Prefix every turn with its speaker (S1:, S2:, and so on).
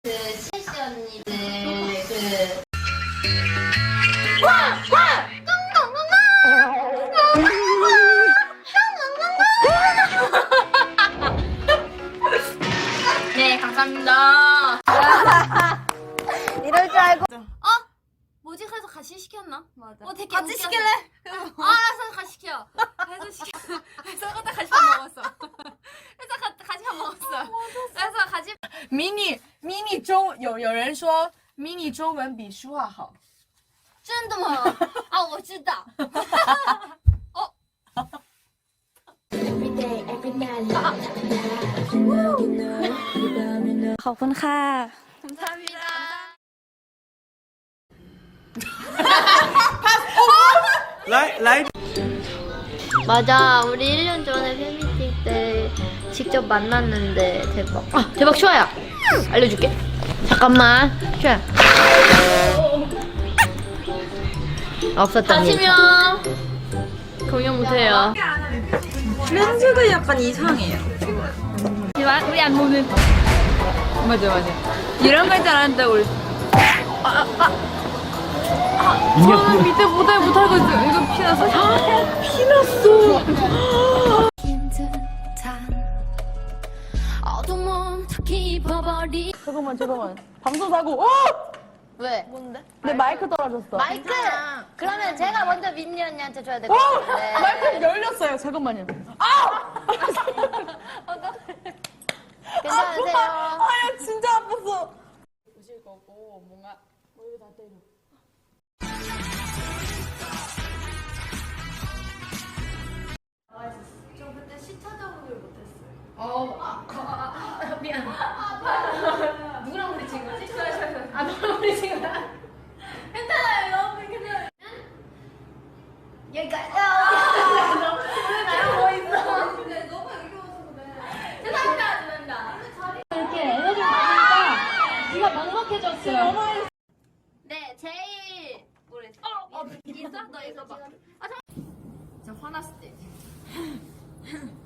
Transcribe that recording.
S1: 그 CC 언니들 그 네, 감사합니다.
S2: 이럴 줄 알고.
S1: 뭐지? 그래서 같이 시켰나?
S2: 맞아.
S1: 되게
S2: 같이
S1: 웃겨서.
S2: 시킬래?
S1: 알았어, 같이 시켜. 해서 시켜. 해서 그때 같이 밥 먹었어. 해서 같이 밥 먹었어. 그래서 같이
S3: 迷你中有人说迷你中文比书画好。
S1: 真的吗？啊，我知道。
S2: ขอบคุณค่ะ
S1: 감사합니다. 맞아, 우리 1년 전에 팬미팅 때 직접 만났는데 대박. 대박 슈아야. 알려줄게. 잠깐만, 슈아야. 없었던 일. 다치면 공연 못해요.
S2: 렌즈가 약간 이상해요.
S1: 우리 안 보는.
S2: 맞아. 이런 걸 잘하는데 우리. 저는 밑에 모델 못하고 있어요. 이거 피났어. 피났어. 잠깐만. 방송사고.
S1: 왜?
S2: 뭔데? 내 마이크 떨어졌어.
S1: 마이크! 그러면 제가 먼저 민니 언니한테 줘야 될 것 같은데.
S2: 마이크 열렸어요. 잠깐만요.
S1: 괜찮으세요?
S2: 아야 진짜 아팠어.
S3: 보실 거고 뭔가 이거 다 때려.
S1: 저 그때 시 찾아보질 못했어요.
S3: 미안.
S1: 누구랑 부딪힌 거지? 누구랑 부딪힌 거야? 괜찮아요, 여러분. 괜찮아요. 여기까지. 너무 있어. 근데 너무 여기 와서 그래. 죄송합니다. 이렇게 에너지 받으니까 네가 먹먹해졌어요. 네, 제일 모르겠어. 있어? 너 이거 봐. 진짜 화났을 때.